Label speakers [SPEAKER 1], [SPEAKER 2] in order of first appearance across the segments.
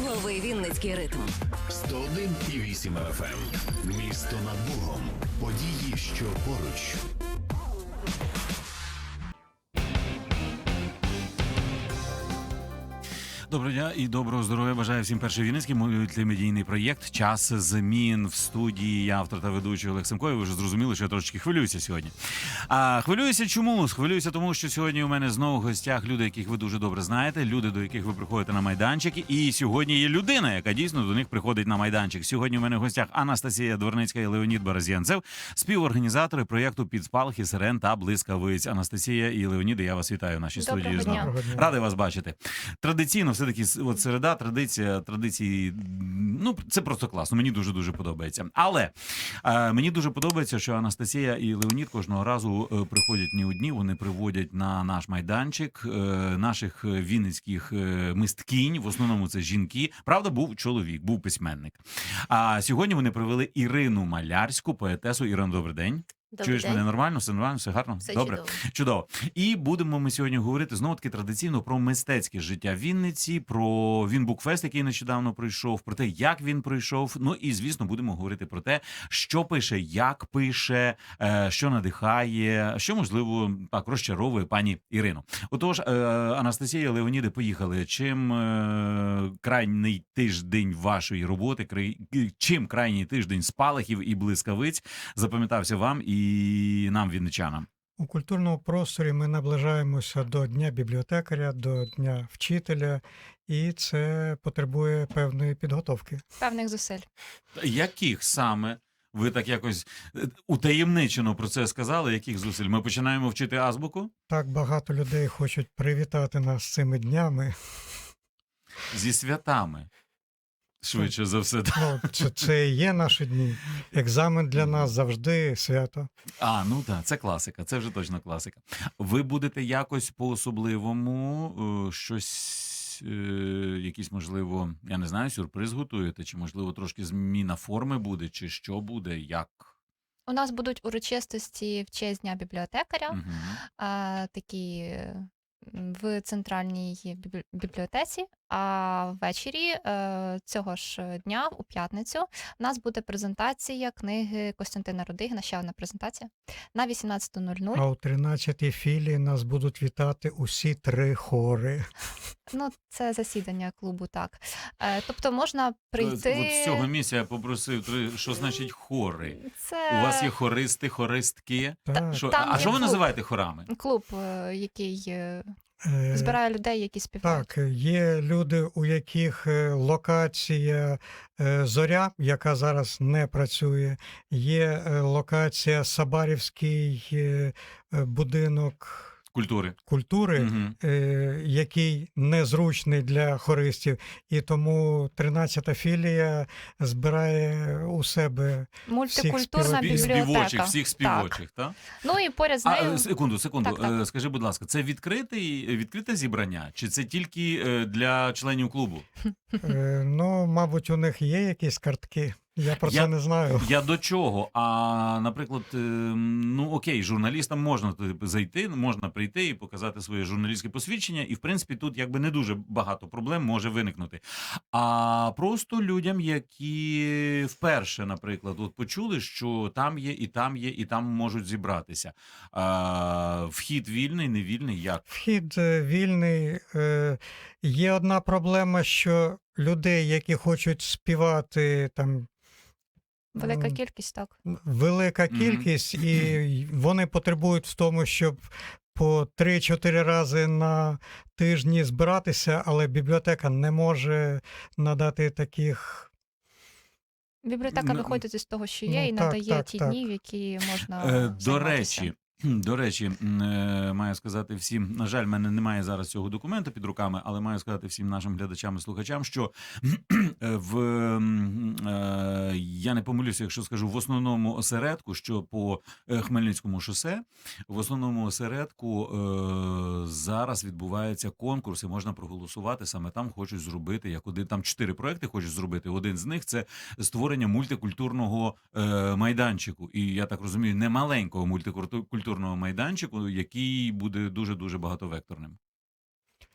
[SPEAKER 1] Лови Вінницький ритм.
[SPEAKER 2] 101,8 FM. Місто над Богом. Події, що поруч.
[SPEAKER 3] Доброго дня і доброго здоров'я. Бажаю всім перший вінницький мультимедійний проєкт «Час змін» в студії. Я автор та ведучий Олег Семко. Ви вже зрозуміли, що я трошечки хвилююся сьогодні. Хвилююся чому? Хвилююся тому, що сьогодні у мене знову в гостях люди, яких ви дуже добре знаєте, люди, до яких ви приходите на майданчики. І сьогодні є людина, яка дійсно до них приходить на майданчик. Сьогодні у мене в гостях Анастасія Дворницька і Леонід Баразянцев, співорганізатори проєкту «Під спалахи сирен та блискавиць». Анастасія і Леоніде, я вас вітаю в нашій студії знову. Радий вас бачити. Традиційно все-таки от середа, традиції, ну, це просто класно, мені дуже-дуже подобається. Але мені дуже подобається, що Анастасія і Леонід кожного разу приходять не одні, вони приводять на наш майданчик наших вінницьких мисткінь, в основному це жінки. Правда, був чоловік, був письменник. А сьогодні вони привели Ірину Малярську, поетесу. Ірина, добрий день. Чуєш мене нормально? Все нормально? Все гарно?
[SPEAKER 4] Все
[SPEAKER 3] добре? Чудово. І будемо ми сьогодні говорити знову-таки традиційно про мистецьке життя Вінниці, про Вінбукфест, який нещодавно пройшов, про те, як він пройшов. Ну і, звісно, будемо говорити про те, що пише, як пише, що надихає, що, можливо, так, розчаровує пані Ірину. Отож, Анастасія, Леоніде, поїхали. Чим крайній тиждень вашої роботи, чим крайній тиждень спалахів і блискавиць запам'ятався вам і нам, вінничанам?
[SPEAKER 5] У культурному просторі ми наближаємося до Дня бібліотекаря, до Дня вчителя, і це потребує певної підготовки.
[SPEAKER 4] Певних зусиль.
[SPEAKER 3] Яких саме? Ви так якось утаємничено про це сказали, яких зусиль? Ми починаємо вчити азбуку?
[SPEAKER 5] Так багато людей хочуть привітати нас з цими днями.
[SPEAKER 3] Зі святами. Швидше за все.
[SPEAKER 5] Ну, це і є наші дні. Екзамен для нас завжди свято.
[SPEAKER 3] Ну так, це класика, це вже точно класика. Ви будете якось по-особливому щось, якийсь, можливо, я не знаю, сюрприз готуєте, чи, можливо, трошки зміна форми буде, чи що буде, як?
[SPEAKER 4] У нас будуть урочистості в честь Дня бібліотекаря,
[SPEAKER 3] Угу.
[SPEAKER 4] такі в центральній бібліотеці, а ввечері цього ж дня, у п'ятницю, у нас буде презентація книги Костянтина Рудигіна, ще одна презентація, на 18:00.
[SPEAKER 5] А у 13-й філії нас будуть вітати усі 3 хори.
[SPEAKER 4] Ну, це засідання клубу, так. Тобто можна прийти...
[SPEAKER 3] От з цього місця я попросив, що значить хори?
[SPEAKER 4] Це...
[SPEAKER 3] У вас є хористи, хористки?
[SPEAKER 5] Так.
[SPEAKER 3] А що ви називаєте хорами?
[SPEAKER 4] Клуб, який збирає людей, які співають.
[SPEAKER 5] Так, є люди, у яких локація «Зоря», яка зараз не працює, є локація «Сабарівський будинок культури,
[SPEAKER 3] Угу.
[SPEAKER 5] який незручний для хористів, і тому 13-та філія збирає у себе
[SPEAKER 4] Мультикультурна
[SPEAKER 5] всіх
[SPEAKER 4] бібліотека.
[SPEAKER 3] Всіх співочих, так?
[SPEAKER 4] Ну і поряд з нею...
[SPEAKER 3] Секунду.
[SPEAKER 4] Так.
[SPEAKER 3] Скажи, будь ласка, це відкрите зібрання? Чи це тільки для членів клубу?
[SPEAKER 5] Ну, мабуть, у них є якісь картки. Я про це не знаю.
[SPEAKER 3] Я до чого? Наприклад, ну окей, журналістам можна зайти, можна прийти і показати своє журналістське посвідчення, і в принципі тут якби не дуже багато проблем може виникнути. А просто людям, які вперше, наприклад, от почули, що там є, і там є, і там можуть зібратися. Вхід вільний, не вільний, як?
[SPEAKER 5] Вхід вільний. Є одна проблема, що людей, які хочуть співати там,
[SPEAKER 4] Велика кількість, так.
[SPEAKER 5] велика кількість, і вони потребують в тому, щоб по 3-4 рази на тижні збиратися, але бібліотека не може надати таких...
[SPEAKER 4] Бібліотека виходить із того, що є, і надає ті дні, в які можна займатися.
[SPEAKER 3] До речі, маю сказати всім, на жаль, в мене немає зараз цього документу під руками, але маю сказати всім нашим глядачам і слухачам, що я не помилюся, якщо скажу, в основному осередку, що по Хмельницькому шосе, в основному осередку зараз відбувається конкурс і можна проголосувати, саме там хочуть зробити, там 4 проекти хочуть зробити, один з них це створення мультикультурного майданчику, і я так розумію, не маленького мультикультурного майданчику, який буде дуже-дуже багатовекторним.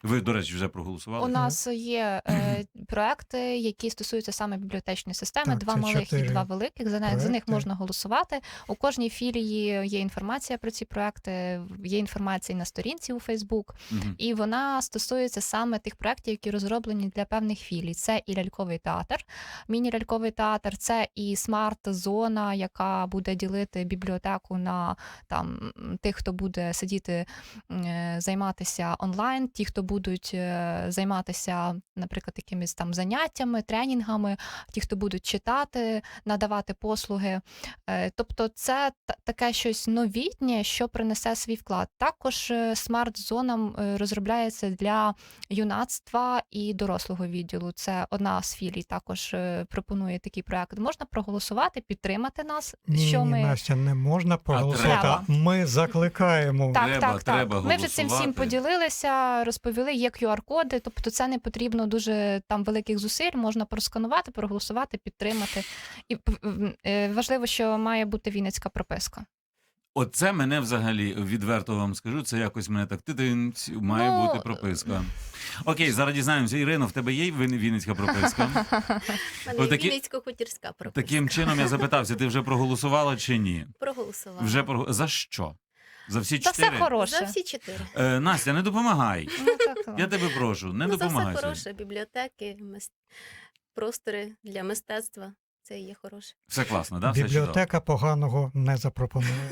[SPEAKER 3] Ви, до речі, вже проголосували?
[SPEAKER 4] У нас є проекти, які стосуються саме бібліотечної системи,
[SPEAKER 5] Так,
[SPEAKER 4] 2
[SPEAKER 5] це
[SPEAKER 4] малих і
[SPEAKER 5] 4
[SPEAKER 4] 2 великих. За них
[SPEAKER 5] проекти.
[SPEAKER 4] можна голосувати. У кожній філії є інформація про ці проекти, є інформація на сторінці у Фейсбук,
[SPEAKER 3] Мгм.
[SPEAKER 4] і вона стосується саме тих проєктів, які розроблені для певних філій. Це і ляльковий театр, міні-ляльковий театр, це і смарт-зона, яка буде ділити бібліотеку на там тих, хто буде сидіти, займатися онлайн, ті, хто будуть займатися, наприклад, якимись там заняттями, тренінгами, ті, хто будуть читати, надавати послуги. Тобто це таке щось новітнє, що принесе свій вклад. Також смарт-зона розробляється для юнацтва і дорослого відділу. Це одна з філій також пропонує такий проект. Можна проголосувати, підтримати нас,
[SPEAKER 5] Ні,
[SPEAKER 4] що ми...
[SPEAKER 5] Настя, не можна проголосувати.
[SPEAKER 4] треба.
[SPEAKER 5] Ми закликаємо.
[SPEAKER 4] Так,
[SPEAKER 3] Треба-
[SPEAKER 4] так,
[SPEAKER 3] треба
[SPEAKER 4] так. Ми вже цим всім
[SPEAKER 3] голосувати.
[SPEAKER 4] поділилися, розповіли, є QR-коди, тобто це не потрібно дуже там великих зусиль, можна просканувати, проголосувати, підтримати. І важливо, що має бути вінницька прописка.
[SPEAKER 3] Оце мене взагалі, відверто вам скажу, це якось мене так тидинць, має
[SPEAKER 4] Ну,
[SPEAKER 3] бути прописка. Окей, зараз дізнаємося. Ірино, в тебе є вінницька прописка?
[SPEAKER 1] У мене
[SPEAKER 3] Отакі-
[SPEAKER 1] Вінницько-хутірська прописка.
[SPEAKER 3] Таким чином я запитався, ти вже проголосувала чи ні?
[SPEAKER 1] Проголосувала.
[SPEAKER 3] За що? За всі
[SPEAKER 4] Та все
[SPEAKER 3] 4?
[SPEAKER 4] хороше.
[SPEAKER 1] За всі 4.
[SPEAKER 3] Настя, не допомагай.
[SPEAKER 4] Ну, так,
[SPEAKER 3] Я тебе прошу, не
[SPEAKER 1] За все
[SPEAKER 3] допомагай.
[SPEAKER 1] хороше. Бібліотеки, простори для мистецтва. Це і є хороше.
[SPEAKER 3] Все класно, да? Все чудово.
[SPEAKER 5] Бібліотека поганого не запропонує.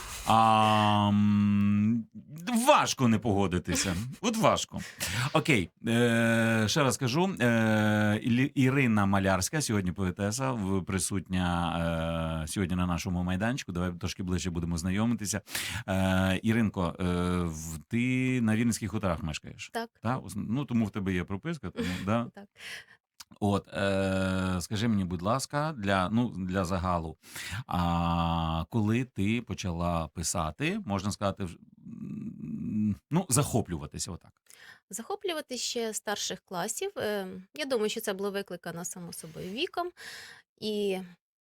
[SPEAKER 3] Важко не погодитися. От важко. Окей, ще раз кажу. Ірина Малярська, сьогодні поетеса, присутня сьогодні на нашому майданчику. Давай трошки ближче будемо знайомитися. Іринко, ти на Вінницьких хуторах мешкаєш?
[SPEAKER 1] Так.
[SPEAKER 3] Так? Ну, тому в тебе є прописка, тому, да?
[SPEAKER 1] Так.
[SPEAKER 3] От, скажи мені, будь ласка, для загалу, коли ти почала писати, можна сказати, захоплюватися отак?
[SPEAKER 1] Захоплювати ще старших класів. Я думаю, що це було викликано само собою віком. І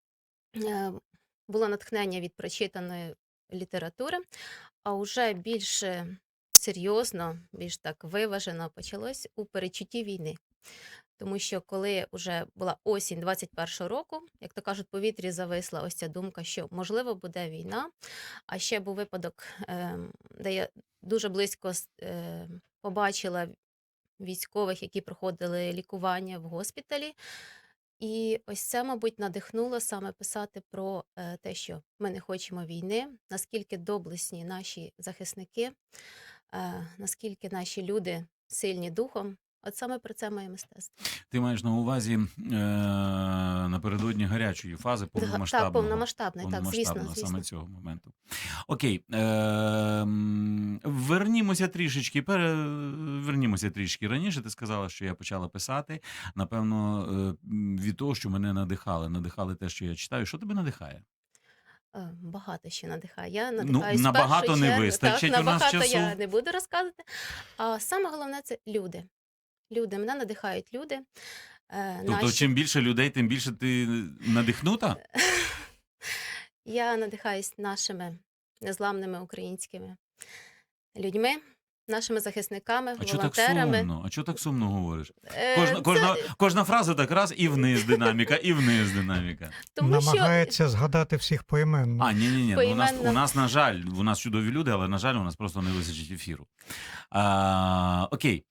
[SPEAKER 1] було натхнення від прочитаної літератури, а вже більш серйозно, більш так виважено почалось у передчутті війни. Тому що коли вже була осінь 21-го року, як то кажуть, в повітрі зависла ось ця думка, що можливо буде війна. А ще був випадок, де я дуже близько побачила військових, які проходили лікування в госпіталі. І ось це, мабуть, надихнуло саме писати про те, що ми не хочемо війни, наскільки доблесні наші захисники, наскільки наші люди сильні духом. От саме про це моє мистецтво.
[SPEAKER 3] Ти маєш на увазі напередодні гарячої фази повномасштабного?
[SPEAKER 1] Так, повномасштабної, так, звісно.
[SPEAKER 3] Саме цього моменту. Окей, вернімося трішки раніше. Ти сказала, що я почала писати. Напевно, від того, що мене надихали те, що я читаю. Що тебе надихає?
[SPEAKER 1] Багато ще надихає. Я надихаюсь
[SPEAKER 3] набагато
[SPEAKER 1] першу
[SPEAKER 3] не
[SPEAKER 1] чергу.
[SPEAKER 3] вистачить
[SPEAKER 1] Так,
[SPEAKER 3] у нас
[SPEAKER 1] набагато
[SPEAKER 3] часу.
[SPEAKER 1] я не буду розказувати. А саме головне – це люди. Люди, мене надихають люди.
[SPEAKER 3] Тобто, чим більше людей, тим більше ти надихнута?
[SPEAKER 1] Я надихаюсь нашими незламними українськими людьми, нашими захисниками,
[SPEAKER 3] А чого так
[SPEAKER 1] волонтерами.
[SPEAKER 3] сумно? А чого так сумно говориш?
[SPEAKER 1] Це
[SPEAKER 3] Кожна фраза так раз і вниз динаміка, і вниз динаміка.
[SPEAKER 1] тому що
[SPEAKER 5] Намагається згадати всіх поіменно.
[SPEAKER 3] Ні. У
[SPEAKER 1] Поіменно.
[SPEAKER 3] нас, на жаль, у нас чудові люди, але, на жаль, у нас просто не вистачить ефіру. Окей.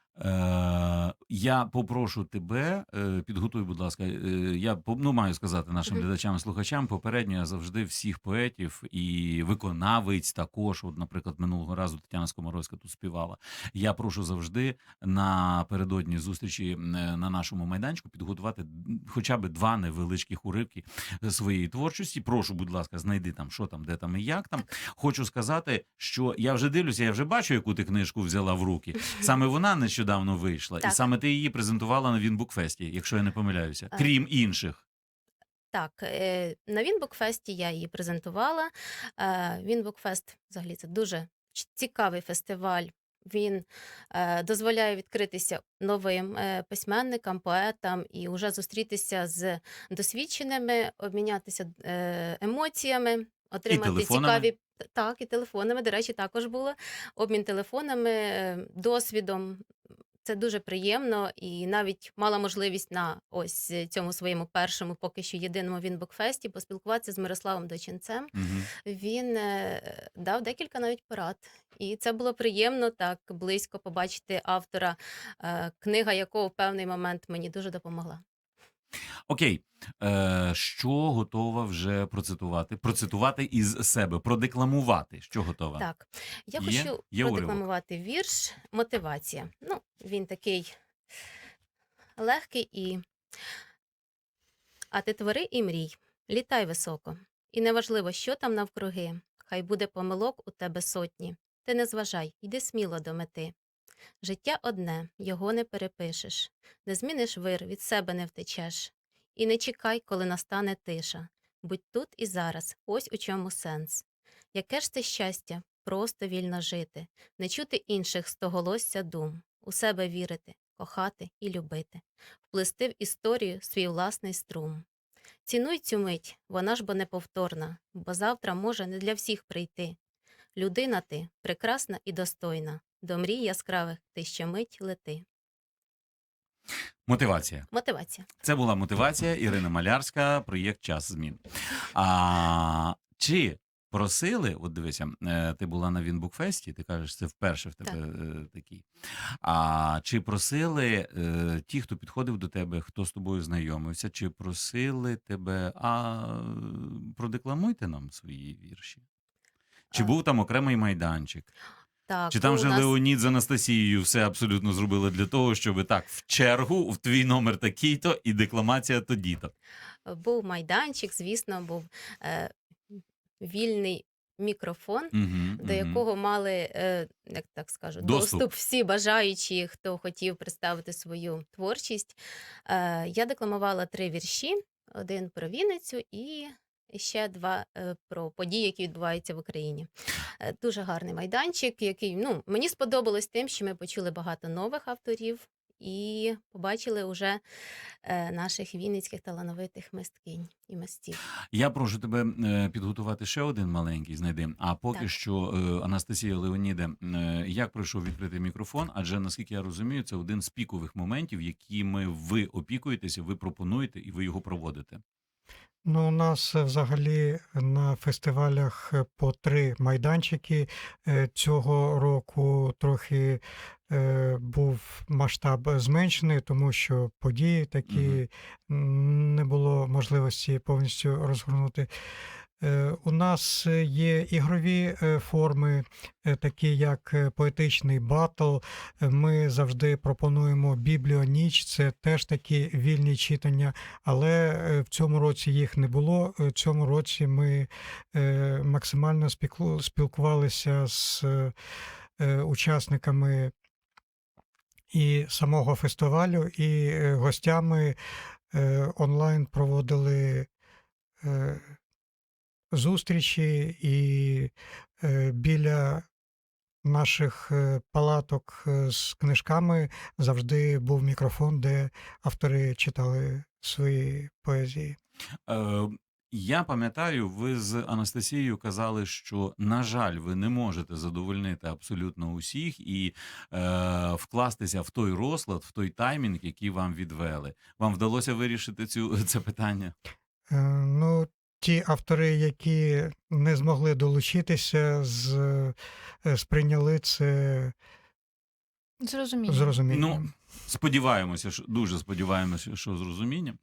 [SPEAKER 3] Я попрошу тебе, підготуй, будь ласка, я маю сказати нашим глядачам і слухачам, попередньо я завжди всіх поетів і виконавиць також, от, наприклад, минулого разу Тетяна Скоморовська тут співала, я прошу завжди напередодні зустрічі на нашому майданчику підготувати хоча б 2 невеличких уривки своєї творчості. Прошу, будь ласка, знайди там, що там, де там і як там. Хочу сказати, що я вже дивлюся, я вже бачу, яку ти книжку взяла в руки. Саме вона нещодавно вийшла.
[SPEAKER 1] Так.
[SPEAKER 3] І саме ти її презентувала на Вінбукфесті, якщо я не помиляюся. Крім інших.
[SPEAKER 1] Так, на Вінбукфесті я її презентувала. Вінбукфест, взагалі, це дуже цікавий фестиваль. Він дозволяє відкритися новим письменникам, поетам і вже зустрітися з досвідченими, обмінятися емоціями, отримати
[SPEAKER 3] телефонами?
[SPEAKER 1] цікаві так, і телефонами. До речі, також було обмін телефонами, досвідом. Це дуже приємно, і навіть мала можливість на ось цьому своєму першому, поки що єдиному Вінбукфесті поспілкуватися з Мирославом Дочинцем.
[SPEAKER 3] Мгм.
[SPEAKER 1] Він дав декілька навіть порад. І це було приємно так близько побачити автора, книга якого в певний момент мені дуже допомогла.
[SPEAKER 3] Окей. Що готова вже процитувати? Процитувати із себе, продекламувати. Що готова?
[SPEAKER 1] Так, я
[SPEAKER 3] Є?
[SPEAKER 1] хочу
[SPEAKER 3] Є уривок?
[SPEAKER 1] продекламувати вірш «Мотивація». Ну, він такий легкий і «А ти твори і мрій, літай високо, і неважливо, що там навкруги, хай буде помилок у тебе сотні. Ти не зважай, йди сміло до мети. Життя одне, його не перепишеш, не зміниш вир, від себе не втечеш. І не чекай, коли настане тиша. Будь тут і зараз, ось у чому сенс. Яке ж це щастя, просто вільно жити, не чути інших стоголосся дум, у себе вірити, кохати і любити, вплести в історію свій власний струм. Цінуй цю мить, вона ж бо неповторна, бо завтра може не для всіх прийти. Людина ти, прекрасна і достойна, до мрій яскравих ти ще мить лети.
[SPEAKER 3] Мотивація.
[SPEAKER 1] Мотивація.
[SPEAKER 3] Це була мотивація Ірина Малярська, проєкт «Час змін». Чи просили, от дивися, ти була на Вінбукфесті, ти кажеш, це вперше в тебе такий. Чи просили ті, хто підходив до тебе, хто з тобою знайомився, чи просили тебе, продекламуйте нам свої вірші? Чи
[SPEAKER 1] А,
[SPEAKER 3] був там окремий майданчик?
[SPEAKER 1] Так,
[SPEAKER 3] Чи там
[SPEAKER 1] у
[SPEAKER 3] вже
[SPEAKER 1] нас
[SPEAKER 3] Леонід з Анастасією все абсолютно зробили для того, щоб так, в чергу, в твій номер такий-то і декламація тоді-то?
[SPEAKER 1] був майданчик, звісно, був вільний мікрофон, до якого мали, як так скажу,
[SPEAKER 3] Доступ.
[SPEAKER 1] доступ всі бажаючі, хто хотів представити свою творчість. Я декламувала 3 вірші, один про Вінницю і ще 2 про події, які відбуваються в Україні. Дуже гарний майданчик, який мені сподобалось тим, що ми почули багато нових авторів і побачили уже наших вінницьких талановитих мисткинь і мистів.
[SPEAKER 3] Я прошу тебе підготувати ще один маленький, знайди. А поки
[SPEAKER 1] Так.
[SPEAKER 3] що, Анастасія, Леоніде, як пройшов відкритий мікрофон? Адже, наскільки я розумію, це один з пікових моментів, якими ви опікуєтеся, ви пропонуєте і ви його проводите.
[SPEAKER 5] Ну, у нас взагалі на фестивалях по 3 майданчики. Цього року трохи був масштаб зменшений, тому що події такі не було можливості повністю розгорнути. У нас є ігрові форми, такі як поетичний батл. Ми завжди пропонуємо бібліоніч, це теж такі вільні читання, але в цьому році їх не було. В цьому році ми максимально спілкувалися з учасниками і самого фестивалю, і гостями онлайн проводили зустрічі, і біля наших палаток з книжками завжди був мікрофон, де автори читали свої поезії.
[SPEAKER 3] Я пам'ятаю, ви з Анастасією казали, що, на жаль, ви не можете задовольнити абсолютно усіх і вкластися в той розклад, в той таймінг, який вам відвели. Вам вдалося вирішити це питання?
[SPEAKER 5] Ну, ті автори, які не змогли долучитися, сприйняли це з
[SPEAKER 4] Зрозуміло.
[SPEAKER 5] розумінням.
[SPEAKER 3] Ну, сподіваємося, дуже сподіваємося, що з розумінням.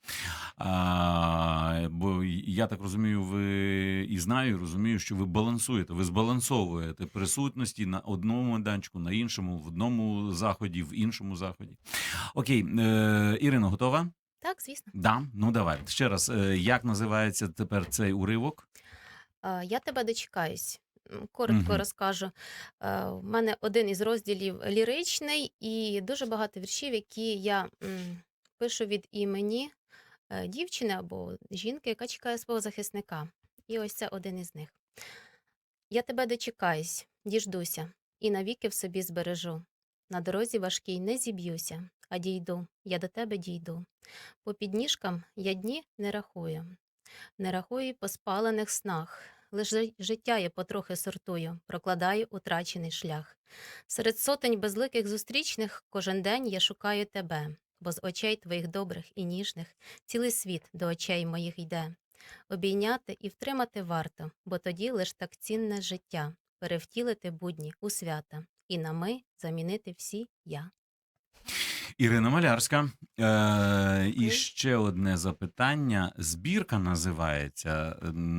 [SPEAKER 3] Бо я так розумію, ви і знаю, і розумію, що ви балансуєте, ви збалансовуєте присутності на одному майданчику, на іншому, в одному заході, в іншому заході. Окей, Ірино, готова?
[SPEAKER 1] Так, звісно.
[SPEAKER 3] Да? Ну давай. Ще раз, як називається тепер цей уривок?
[SPEAKER 1] Я тебе дочекаюсь. Коротко
[SPEAKER 3] Мгм.
[SPEAKER 1] розкажу. В мене один із розділів ліричний і дуже багато віршів, які я пишу від імені дівчини або жінки, яка чекає свого захисника. І ось це один із них. Я тебе дочекаюсь, діждуся, і навіки в собі збережу. На дорозі важкій не зіб'юся, а дійду, я до тебе дійду. По підніжкам я дні не рахую. Не рахую й по спалених снах. лиш життя я потрохи сортую, прокладаю утрачений шлях. Серед сотень безликих зустрічних кожен день я шукаю тебе, бо з очей твоїх добрих і ніжних цілий світ до очей моїх йде. Обійняти і втримати варто, бо тоді лиш так цінне життя, перевтілити будні у свята, і на ми замінити всі я.
[SPEAKER 3] Ірина Малярська. І
[SPEAKER 1] Дякую.
[SPEAKER 3] ще одне запитання. Збірка називається.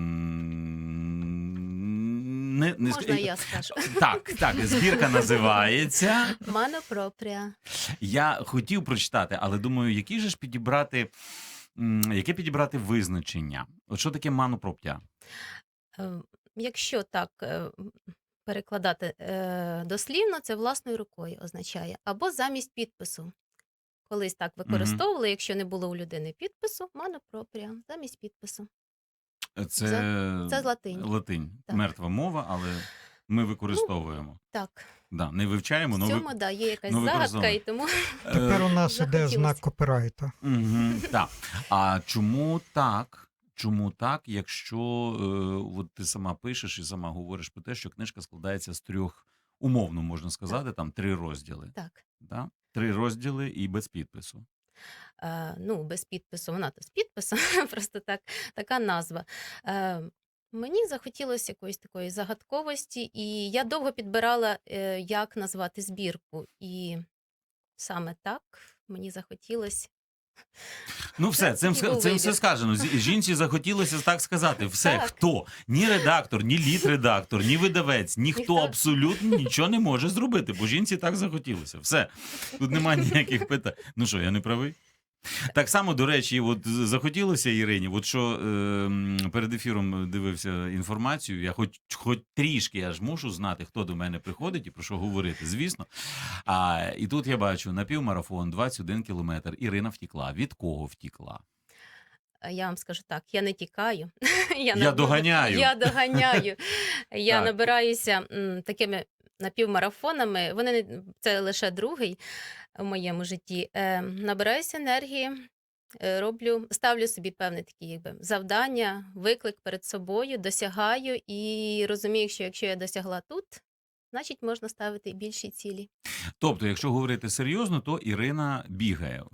[SPEAKER 1] Можна я скажу?
[SPEAKER 3] Так, збірка називається.
[SPEAKER 1] Мано пропрія.
[SPEAKER 3] Я хотів прочитати, але думаю, яке підібрати визначення? От що таке манопроптя?
[SPEAKER 1] Якщо так перекладати дослівно, це власною рукою означає. Або замість підпису. Колись так використовували, якщо не було у людини підпису, мано пропрія, замість підпису.
[SPEAKER 3] Це
[SPEAKER 1] Це з латині.
[SPEAKER 3] латинь.
[SPEAKER 1] Так.
[SPEAKER 3] Мертва мова, але ми використовуємо.
[SPEAKER 1] Так,
[SPEAKER 3] Да, не вивчаємо,
[SPEAKER 1] в
[SPEAKER 3] но
[SPEAKER 1] цьому є якась
[SPEAKER 3] ну,
[SPEAKER 1] загадка, і тому
[SPEAKER 5] Тепер у нас іде
[SPEAKER 1] захотілося.
[SPEAKER 5] знак копірайта.
[SPEAKER 3] Так. А чому так? Чому так, якщо от ти сама пишеш і сама говориш про те, що книжка складається з 3, умовно можна сказати, там 3 розділи.
[SPEAKER 1] так.
[SPEAKER 3] Да? 3 розділи і без підпису.
[SPEAKER 1] Без підпису, вона то з підписом, просто така назва. Мені захотілося якоїсь такої загадковості, і я довго підбирала, як назвати збірку. І саме так мені захотілося.
[SPEAKER 3] Ну все,
[SPEAKER 1] Це такий був
[SPEAKER 3] цим
[SPEAKER 1] вибір.
[SPEAKER 3] все сказано. Жінці захотілося так сказати. Все,
[SPEAKER 1] Так.
[SPEAKER 3] хто? Ні редактор, ні літредактор, ні видавець, ніхто
[SPEAKER 1] Ніхто.
[SPEAKER 3] абсолютно нічого не може зробити, бо жінці так захотілося. Все. Тут немає ніяких питань. Ну що, я не правий? Так само, до речі, от захотілося Ірині, от що перед ефіром дивився інформацію, я хоч трішки, я ж мушу знати, хто до мене приходить і про що говорити, звісно. І тут я бачу, напівмарафон, 21 кілометр, Ірина втікла. Від кого втікла?
[SPEAKER 1] Я вам скажу так, я не тікаю.
[SPEAKER 3] Я доганяю.
[SPEAKER 1] Я доганяю. Я
[SPEAKER 3] Так.
[SPEAKER 1] набираюся такими напівмарафонами. Це лише другий в моєму житті. Набираюся енергії, ставлю собі певне такі завдання, виклик перед собою, досягаю і розумію, що якщо я досягла тут, значить можна ставити і більші цілі.
[SPEAKER 3] Тобто, якщо говорити серйозно, то Ірина бігає.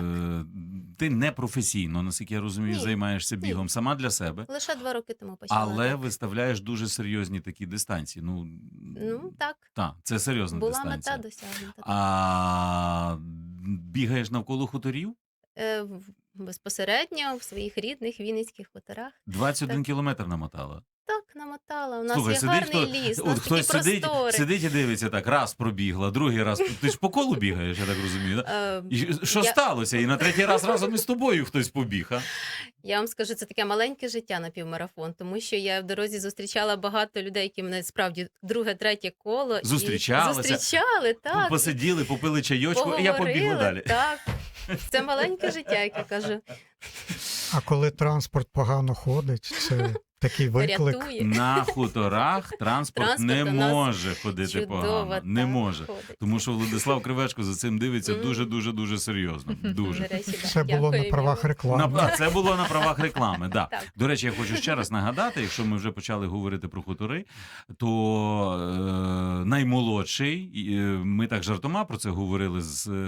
[SPEAKER 3] Ти не професійно, наскільки я розумію,
[SPEAKER 1] Ні.
[SPEAKER 3] займаєшся
[SPEAKER 1] Ні.
[SPEAKER 3] бігом сама для себе.
[SPEAKER 1] Лише 2 роки тому почала.
[SPEAKER 3] Але
[SPEAKER 1] так.
[SPEAKER 3] виставляєш дуже серйозні такі дистанції.
[SPEAKER 1] Ну, так.
[SPEAKER 3] Це серйозна
[SPEAKER 1] Була
[SPEAKER 3] дистанція.
[SPEAKER 1] мета досягнута.
[SPEAKER 3] А бігаєш навколо хуторів?
[SPEAKER 1] Безпосередньо в своїх рідних Вінницьких хуторах.
[SPEAKER 3] 21
[SPEAKER 1] Так.
[SPEAKER 3] кілометр намотала.
[SPEAKER 1] Так, намотала. У нас
[SPEAKER 3] Слухай,
[SPEAKER 1] є
[SPEAKER 3] сидить
[SPEAKER 1] гарний ліс, у нас такі
[SPEAKER 3] хтось
[SPEAKER 1] простори.
[SPEAKER 3] сидить і дивиться так, раз пробігла, другий раз. Ти ж по колу бігаєш, я так розумію. Да? І що
[SPEAKER 1] Я-
[SPEAKER 3] сталося? І на третій раз разом із тобою хтось побіг, а?
[SPEAKER 1] Я вам скажу, це таке маленьке життя на півмарафон, тому що я в дорозі зустрічала багато людей, які мене справді друге, третє коло.
[SPEAKER 3] Зустрічалися?
[SPEAKER 1] Зустрічали, так.
[SPEAKER 3] Посиділи, попили чайочку, і я побігла
[SPEAKER 1] поговорили,
[SPEAKER 3] далі.
[SPEAKER 1] Так. Це маленьке життя, як я кажу.
[SPEAKER 5] А коли транспорт погано ходить, це такий виклик.
[SPEAKER 1] Рятує.
[SPEAKER 3] На хуторах транспорт не
[SPEAKER 1] Транспорт у нас
[SPEAKER 3] може ходити
[SPEAKER 1] Чудово,
[SPEAKER 3] погано. Не
[SPEAKER 1] так,
[SPEAKER 3] може.
[SPEAKER 1] ходить.
[SPEAKER 3] Тому що Владислав Кривечко за цим дивиться
[SPEAKER 1] Мгм.
[SPEAKER 3] дуже серйозно.
[SPEAKER 1] До
[SPEAKER 3] Дуже.
[SPEAKER 1] речі, да.
[SPEAKER 5] Це було на
[SPEAKER 1] Дякую
[SPEAKER 5] правах
[SPEAKER 1] йому.
[SPEAKER 5] реклами.
[SPEAKER 3] А це було на правах реклами. Да.
[SPEAKER 1] Так.
[SPEAKER 3] До речі, я хочу ще раз нагадати, якщо ми вже почали говорити про хутори, то наймолодший, ми так жартома про це говорили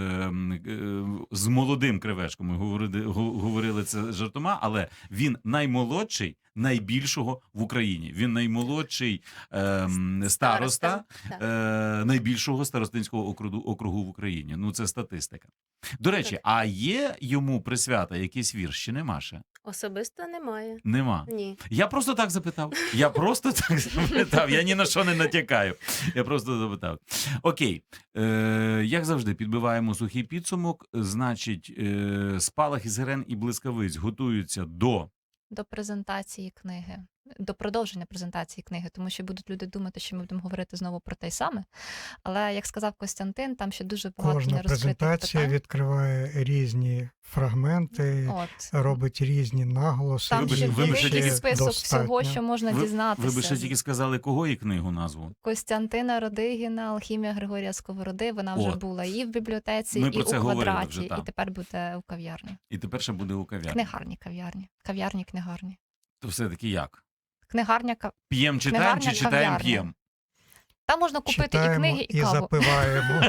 [SPEAKER 3] з молодим Кривечком. Ми говорили це жартома, але він наймолодший найбільшого в Україні. Він наймолодший староста
[SPEAKER 1] Так.
[SPEAKER 3] найбільшого старостинського округу в Україні. Ну, це статистика. До речі,
[SPEAKER 1] Так.
[SPEAKER 3] а є йому присвята якийсь вірш, чи нема ще?
[SPEAKER 1] Особисто немає.
[SPEAKER 3] Нема.
[SPEAKER 1] Ні.
[SPEAKER 3] Я просто так запитав. Я ні на що не натякаю. Я просто запитав. Окей. Як завжди, підбиваємо сухий підсумок. Значить, спалахи сирен і блискавиць готуються до
[SPEAKER 4] Презентації книги, до продовження презентації книги, тому що будуть люди думати, що ми будемо говорити знову про те й саме. Але, як сказав Костянтин, там ще дуже багато
[SPEAKER 5] Кожна
[SPEAKER 4] нерозкритих
[SPEAKER 5] презентація
[SPEAKER 4] питань.
[SPEAKER 5] відкриває різні фрагменти,
[SPEAKER 4] От.
[SPEAKER 5] робить різні наголоси.
[SPEAKER 4] Там
[SPEAKER 3] Вибач-
[SPEAKER 4] ще
[SPEAKER 3] вибач,
[SPEAKER 4] великий
[SPEAKER 3] тільки
[SPEAKER 4] список
[SPEAKER 5] достатньо.
[SPEAKER 4] всього, що можна
[SPEAKER 3] Ви
[SPEAKER 4] дізнатися.
[SPEAKER 3] би ще тільки сказали, кого і книгу назву.
[SPEAKER 4] Костянтина Родигіна, Алхімія Григорія Сковороди, вона вже
[SPEAKER 3] От.
[SPEAKER 4] була і в бібліотеці,
[SPEAKER 3] Ми
[SPEAKER 4] і
[SPEAKER 3] про
[SPEAKER 4] у
[SPEAKER 3] це говорили
[SPEAKER 4] квадраті,
[SPEAKER 3] вже, так.
[SPEAKER 4] і тепер буде у кав'ярні.
[SPEAKER 3] І тепер ще буде у кав'ярні.
[SPEAKER 4] Книгарні, кав'ярні. Кав'ярні, книгарні.
[SPEAKER 3] То все-таки як?
[SPEAKER 4] Книгарня,
[SPEAKER 3] П'єм читаємо чи
[SPEAKER 4] Книгарня,
[SPEAKER 3] читаємо
[SPEAKER 4] кав'ярня.
[SPEAKER 3] п'єм?
[SPEAKER 4] там можна купити
[SPEAKER 5] Читаємо
[SPEAKER 4] і книги, і каву.
[SPEAKER 5] запиваємо.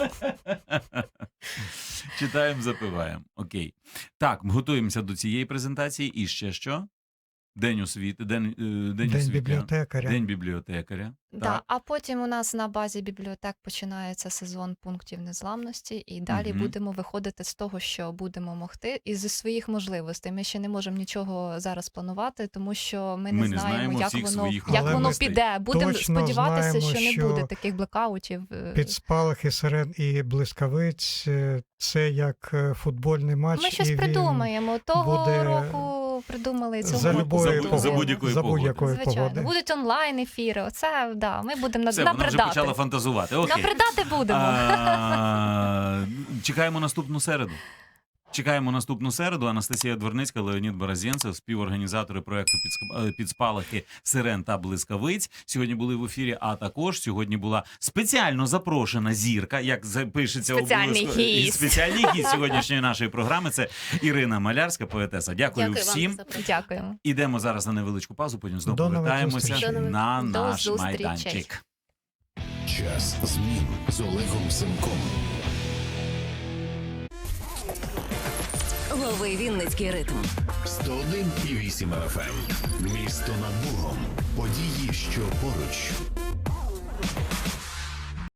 [SPEAKER 3] Читаємо, запиваємо. Окей. Так, готуємося до цієї презентації. І ще що? День освіти,
[SPEAKER 5] День
[SPEAKER 3] освіти.
[SPEAKER 5] бібліотекаря.
[SPEAKER 3] День бібліотекаря.
[SPEAKER 4] Да,
[SPEAKER 3] Так.
[SPEAKER 4] а потім у нас на базі бібліотек починається сезон пунктів незламності, і далі
[SPEAKER 3] Мгм.
[SPEAKER 4] будемо виходити з того, що будемо могти, і зі своїх можливостей. Ми ще не можемо нічого зараз планувати, тому що ми
[SPEAKER 3] Ми
[SPEAKER 4] не
[SPEAKER 3] не знаємо
[SPEAKER 4] знаємо, як
[SPEAKER 3] всіх
[SPEAKER 4] воно,
[SPEAKER 3] своїх
[SPEAKER 4] як
[SPEAKER 5] Але
[SPEAKER 4] воно
[SPEAKER 5] ми
[SPEAKER 4] піде. Будемо
[SPEAKER 5] точно
[SPEAKER 4] сподіватися,
[SPEAKER 5] знаємо,
[SPEAKER 4] що не
[SPEAKER 5] що
[SPEAKER 4] буде таких блекаутів.
[SPEAKER 5] Під спалахи сирен і блискавиць це як футбольний матч.
[SPEAKER 4] Ми щось
[SPEAKER 5] і він
[SPEAKER 4] придумаємо. Того
[SPEAKER 5] буде
[SPEAKER 4] року придумали цього
[SPEAKER 5] за
[SPEAKER 4] року.
[SPEAKER 5] любої
[SPEAKER 3] За
[SPEAKER 5] погоди.
[SPEAKER 3] будь-якої
[SPEAKER 5] За
[SPEAKER 3] погоди.
[SPEAKER 5] будь-якої
[SPEAKER 4] Звичайно,
[SPEAKER 5] погоди.
[SPEAKER 4] будуть онлайн-ефіри. Оце, да, ми будемо
[SPEAKER 3] Все, вона вже
[SPEAKER 4] набридати.
[SPEAKER 3] почала фантазувати. Окей.
[SPEAKER 4] Набридати будемо.
[SPEAKER 3] Чекаємо наступну середу. Чекаємо наступну середу. Анастасія Дворницька, Леонід Борозєнцев, співорганізатори проекту «Під спалахи сирен та блискавиць». Сьогодні були в ефірі, а також сьогодні була спеціально запрошена зірка, як запишеться
[SPEAKER 4] Спеціальний
[SPEAKER 3] обов'язково. І
[SPEAKER 4] гість.
[SPEAKER 3] спеціальний гість сьогоднішньої нашої програми. Це Ірина Малярська, поетеса. Дякую,
[SPEAKER 1] Дякую вам
[SPEAKER 3] всім.
[SPEAKER 1] за запрошення.
[SPEAKER 4] Дякуємо.
[SPEAKER 3] Ідемо зараз на невеличку паузу, потім знову
[SPEAKER 5] До нових
[SPEAKER 3] повертаємося
[SPEAKER 5] зустрічей.
[SPEAKER 3] на
[SPEAKER 1] До
[SPEAKER 3] наш
[SPEAKER 4] зустрічей.
[SPEAKER 3] майданчик.
[SPEAKER 2] Час змін з Олегом Семком.
[SPEAKER 6] Лови Вінницький ритм.
[SPEAKER 2] 101,8 FM. Місто над Богом. Події, що поруч.